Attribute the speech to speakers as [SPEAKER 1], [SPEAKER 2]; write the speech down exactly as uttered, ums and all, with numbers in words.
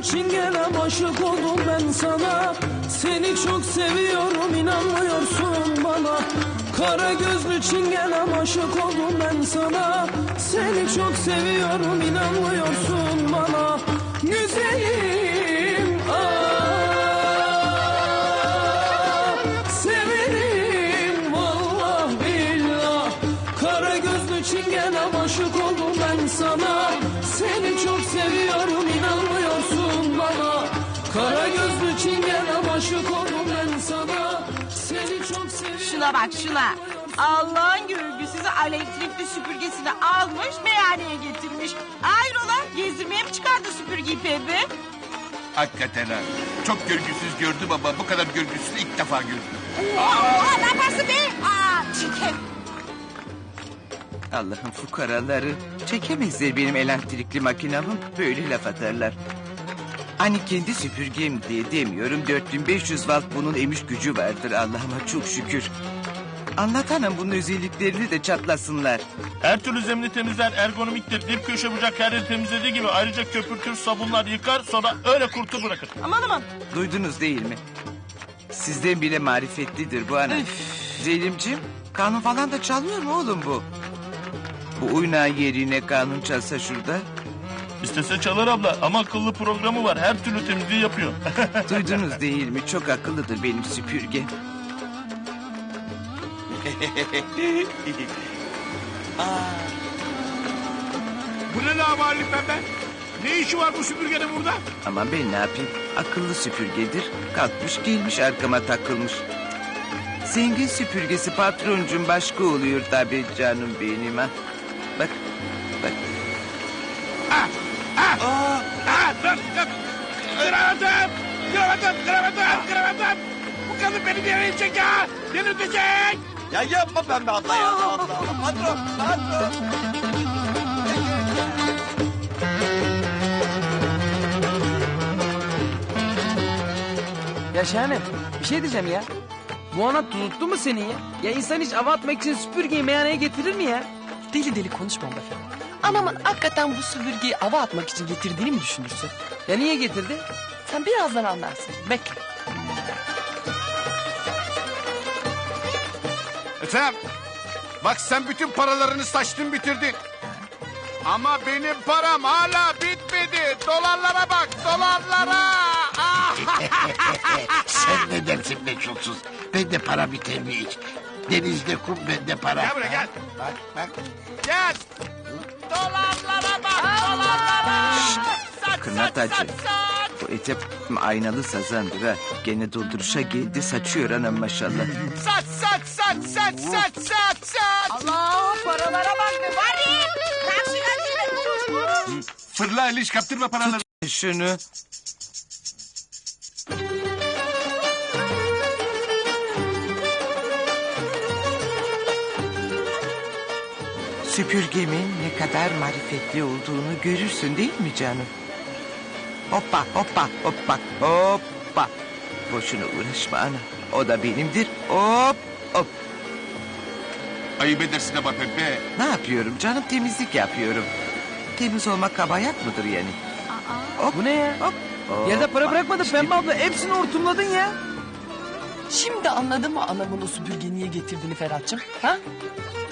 [SPEAKER 1] çingenem aşık oldum ben sana. Seni çok seviyorum inanmıyorsun bana. Kara gözlü çingenem aşık oldum ben sana. Seni çok seviyorum inanmıyorsun bana. Güzelim ah, severim vallah billah. Kara gözlü çingenem aşık oldum ben sana. Seni çok seviyorum inanmıyorsun bana. Kara gözlü çingenem aşık oldum ben sana. Seni çok seviyorum.
[SPEAKER 2] Şuna bak şuna. Allah'ın görgüsüzü elektrikli süpürgesini almış meyhaneye getirmiş. Hayrola gezdirmeye mi çıkardı süpürgeyi pembe?
[SPEAKER 3] Hakikaten ha. Çok görgüsüz gördüm ama bu kadar görgüsüzü ilk defa gördüm.
[SPEAKER 2] Aa, ne yaparsın be? Aa, çirkin.
[SPEAKER 4] Allah'ın fukaraları çekemezler benim elektrikli makinamı, böyle laf atarlar. Hani kendi süpürgem diye demiyorum, dört bin beş yüz volt bunun emiş gücü vardır Allah'ıma çok şükür. Anlatanım bunun özelliklerini de çatlasınlar.
[SPEAKER 5] Her türlü zemini temizler, ergonomiktir. Dip köşe bucak her yeri temizlediği gibi ayrıca köpürtür, sabunlar yıkar, sonra öyle kurtu bırakır.
[SPEAKER 2] Aman aman.
[SPEAKER 4] Duydunuz değil mi? Sizden bile marifetlidir bu ana. Zeynep'ciğim, kanun falan da çalmıyor mu oğlum bu? Bu oynağı yerine kanun çalsa şurada.
[SPEAKER 5] İstese çalar abla ama akıllı programı var. Her türlü temizliği yapıyor.
[SPEAKER 4] Duydunuz değil mi? Çok akıllıdır benim süpürgem.
[SPEAKER 6] Bu ne lavallik pembe? Ne işi var bu süpürgenin burada?
[SPEAKER 4] Ama ben ne yapayım? Akıllı süpürgedir. Kalkmış gelmiş arkama takılmış. Zengin süpürgesi patroncum başka oluyor tabii canım benim ha. Bak, bak.
[SPEAKER 6] Ah, ah, ah, dur, dur. Kravatım, kravatım, kravatım, kravatım. Bu kadın beni delirtecek ya, delirtecek.
[SPEAKER 7] Ya yapma pembe abla ya. Allah Allah. Patron, patron.
[SPEAKER 1] Ya Şahane bir şey diyeceğim ya. Bu ana tuttu mu senin ya? Ya insan hiç hava atmak için süpürgeyi meyhaneye getirir mi ya?
[SPEAKER 8] Deli deli konuşma be efendim. Anamın hakikaten bu süpürgeyi ava atmak için getirdiğini mi düşünürsün?
[SPEAKER 1] Ya niye getirdi?
[SPEAKER 8] Sen birazdan anlarsın. Bekle.
[SPEAKER 6] Ethem, bak sen bütün paralarını saçtın bitirdin. Ama benim param hala bitmedi. Dolarlara bak, dolarlara. Ah!
[SPEAKER 9] Sen ne dersin be çulsuz? Bende para biter mi hiç? Denizde kum, bende para.
[SPEAKER 6] Gel buraya gel.
[SPEAKER 9] Bak bak.
[SPEAKER 6] Gel. Dolarlara bak, dolarlara. Saç,
[SPEAKER 4] Kırnatacı.
[SPEAKER 6] saç, saç, saç.
[SPEAKER 4] Bu ete aynalı sazandır ha. Gene dolduruşa geldi saçıyor anam maşallah.
[SPEAKER 6] Saç, saç, saç, saç, saç, saç, saç.
[SPEAKER 2] Allah paralara bak be var ya. Karşına gelin koş koş.
[SPEAKER 3] Fırla Aliş, kaptırma paraları.
[SPEAKER 4] Şunu. Süpürgemin ne kadar marifetli olduğunu görürsün değil mi canım? Hoppa hoppa hoppa hoppa. Boşuna uğraşma ana. O da benimdir. Hop hop.
[SPEAKER 3] Ayıp edersin ama pembe.
[SPEAKER 4] Ne yapıyorum canım? Temizlik yapıyorum. Temiz olmak kabahat mıdır yani? Hop,
[SPEAKER 1] Bu ne ya?
[SPEAKER 4] hop. hop.
[SPEAKER 1] Yerde para bırakmadın
[SPEAKER 4] İşte
[SPEAKER 1] Pembe abla. Hepsini hortumladın ya.
[SPEAKER 8] Şimdi anladın mı anamın o süpürgeyi niye getirdiğini Ferhat'cığım? Ha?